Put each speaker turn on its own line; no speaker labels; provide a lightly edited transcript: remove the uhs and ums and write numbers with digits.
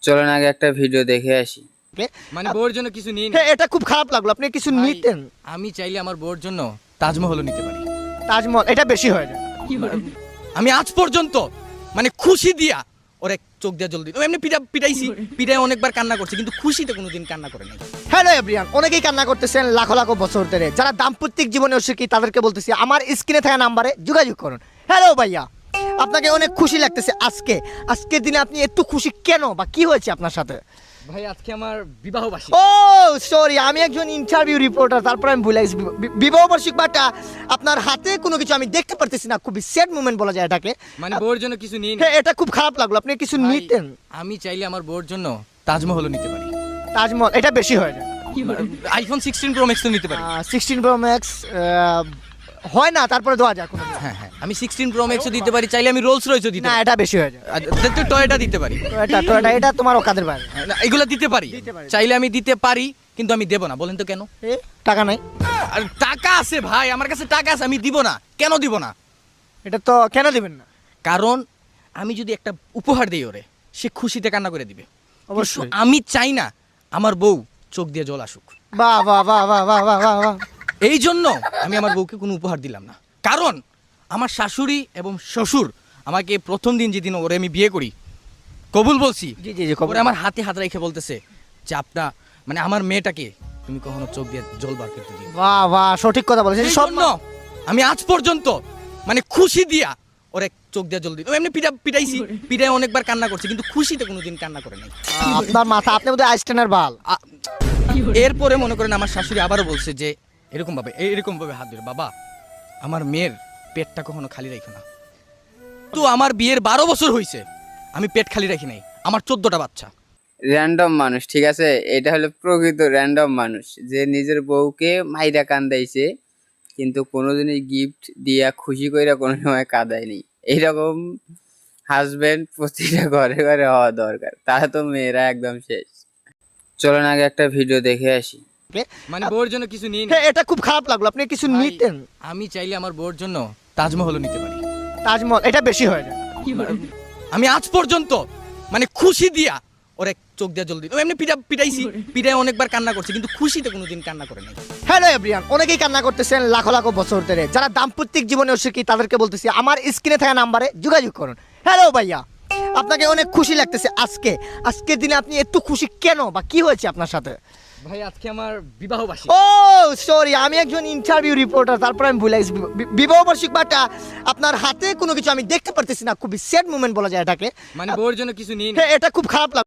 চলেন আগে একটা ভিডিও দেখে আসি।
মানে বউর জন্য কিছু নিন।
হ্যাঁ, এটা খুব খারাপ লাগলো, আপনি কিছু
ভাই,
নিতেন।
আমি চাইলে আমার বউর জন্য তাজমহলও নিতে পারি।
তাজমহল এটা বেশি হয়ে যায়।
আমি আজ পর্যন্ত মানে খুশি দিয়া ওরে চোখ দিয়া জল দিই, এমনি পিটাইছি, পিটাই অনেকবার কান্না করছে, কিন্তু খুশিতে কোনোদিন কান্না করে নাই।
হ্যালো এভরিওয়ান, অনেকেই কান্না করতেছেন লাখো লাখো বছর ধরে, যারা দাম্পত্যিক জীবনে অসুখী তাদেরকে বলতেছি আমার স্ক্রিনে থাকা নাম্বারে যোগাযোগ করুন। হ্যালো ভাইয়া, আপনাকে অনেক খুশি লাগতেছে আজকের দিনে আপনি একটু খুশি কেন বা কি হয়েছে আপনার সাথে?
ভাই আজকে আমার বিবাহ বার্ষিকী।
ও সরি, আমি একজন ইন্টারভিউ রিপোর্টার, তারপর আমি ভুলে গেছি বিবাহ বার্ষিক বাটা আপনার হাতে কোনো কিছু আমি দেখতে পারতেছি না, খুবই স্যাড মোমেন্ট বলা যায় এটাকে।
মানে বউর জন্য কিছু নিন।
হ্যাঁ, এটা খুব খারাপ লাগলো, আপনি কিছু
ভাই,
নিতেন।
আমি চাইলে আমার বউর জন্য তাজমহলও নিতে পারি।
তাজমহল এটা বেশি হয়ে যায়।
আইফোন 16 প্রো ম্যাক্স তো নিতে পারি।
16 প্রো ম্যাক্স হয় না, তারপরে দেওয়া যায় কোনো।
হ্যাঁ হ্যাঁ, আমি 16 প্রো ম্যাক্সও দিতে পারি, চাইলে আমি রোলস রয়েসও দিতে
না,
পারি।
এটা বেশি হয়ে যায়।
তো টয়টা দিতে পারি।
এটা তোমার অকাদের বাইরে।
না, এগুলো দিতে পারি, চাইলে আমি দিতে পারি, কিন্তু আমি দেব না। বলেন তো কেন?
টাকা নাই।
আর টাকা আছে ভাই, আমার কাছে টাকা আছে, আমি দিব না। কেন দিব না?
এটা তো কেন দিবেন না?
কারণ আমি যদি একটা উপহার দিই ওরে, সে খুশিতে কান্না করে দিবে।
অবশ্যই।
কিন্তু আমি চাই না আমার বউ চোখ দিয়ে জল আসুক।
বাহ বাহ বাহ বাহ বাহ বাহ বাহ বাহ।
এই জন্য আমি আমার বউকে কোনো উপহার দিলাম না। কারণ আমার শাশুড়ি এবং শ্বশুর আমাকে প্রথম দিন যেদিন ওরে আমি বিয়ে করি কবুল বলছি,
জি জি জি, খবর।
ওরে আমার হাতে হাত রেখে বলতেছে যে আপনা মানে আমার মেয়েটাকে তুমি কখনো চোখ দিয়ে জল বার করতে দিও।
বাহ বাহ, সঠিক কথা বলেছেন।
এই
সব
জন্য আমি আজ পর্যন্ত মানে খুশি দিয়া ওরে চোখ দিয়ে জল দিই, এমনি পিটাইছি, পিটাই অনেকবার কান্না করছে, কিন্তু খুশিতে কোনোদিন কান্না করে নাই।
আপনার মাথা, আপনি বোধহয় আইস্টেনের বাল।
এরপরে মনে করেন আমার শাশুড়ি আবারও বলছে যে এরকম ভাবে হাত ধরে, বাবা আমার মেয়ের পেটটা কখনো খালি রাখো না। তো আমার বিয়ের 12 বছর হয়েছে, আমি পেট খালি রাখি নাই, আমার 14টা বাচ্চা।
র্যান্ডম মানুষ, ঠিক আছে, এটা হলো প্রকৃত র্যান্ডম মানুষ যে নিজের বউকে মাইরা কান্দাইছে কিন্তু কোনোদিনই গিফট দিয়া খুশি কইরা কোনো সময় কাঁদায়নি। এইরকম হাজবেন্ড প্রতিটা ঘরে ঘরে হওয়া দরকার, তাহলে তো মেয়েরা একদম শেষ। চলেন আগে একটা ভিডিও দেখে আসি।
মানে বউর জন্য কিছু নিন।
হ্যাঁ, এটা খুব খারাপ লাগলো, আপনি কিছু
ভাই,
নিতেন।
আমি চাইলে আমার বউর জন্য তাজমহলও নিতে পারি।
তাজমহল এটা বেশি হয়ে যায়।
আমি আজ পর্যন্ত মানে খুশি দিয়া ওরে চোখ দিয়ে জল দিই, এমনি পিটাইছি, পিটাই অনেকবার কান্না করছে, কিন্তু খুশিতে কোনোদিন কান্না করে নাই।
হ্যালো এভরিওয়ান, অনেকেই কান্না করতেছেন লাখো লাখো বছর ধরে, যারা দাম্পত্যিক জীবনে অসুখী তাদেরকে বলতেছি আমার স্ক্রিনে থাকা নাম্বারে যোগাযোগ করুন। হ্যালো ভাইয়া, আপনাকে অনেক খুশি লাগতেছে আজকের দিনে আপনি একটু খুশি কেন বা কি হয়েছে আপনার সাথে?
ভাই আজকে আমার বিবাহ বার্ষিকী।
ও সরি, আমি একজন ইন্টারভিউ রিপোর্টার, তারপর আমি ভুলে গেছি বিবাহ বার্ষিক বাটা আপনার হাতে কোনো কিছু আমি দেখতে পারতেছি না, খুবই স্যাড মোমেন্ট বলা যায় এটাকে।
মানে বউর জন্য কিছু নিন।
হ্যাঁ, এটা খুব খারাপ লাগলো।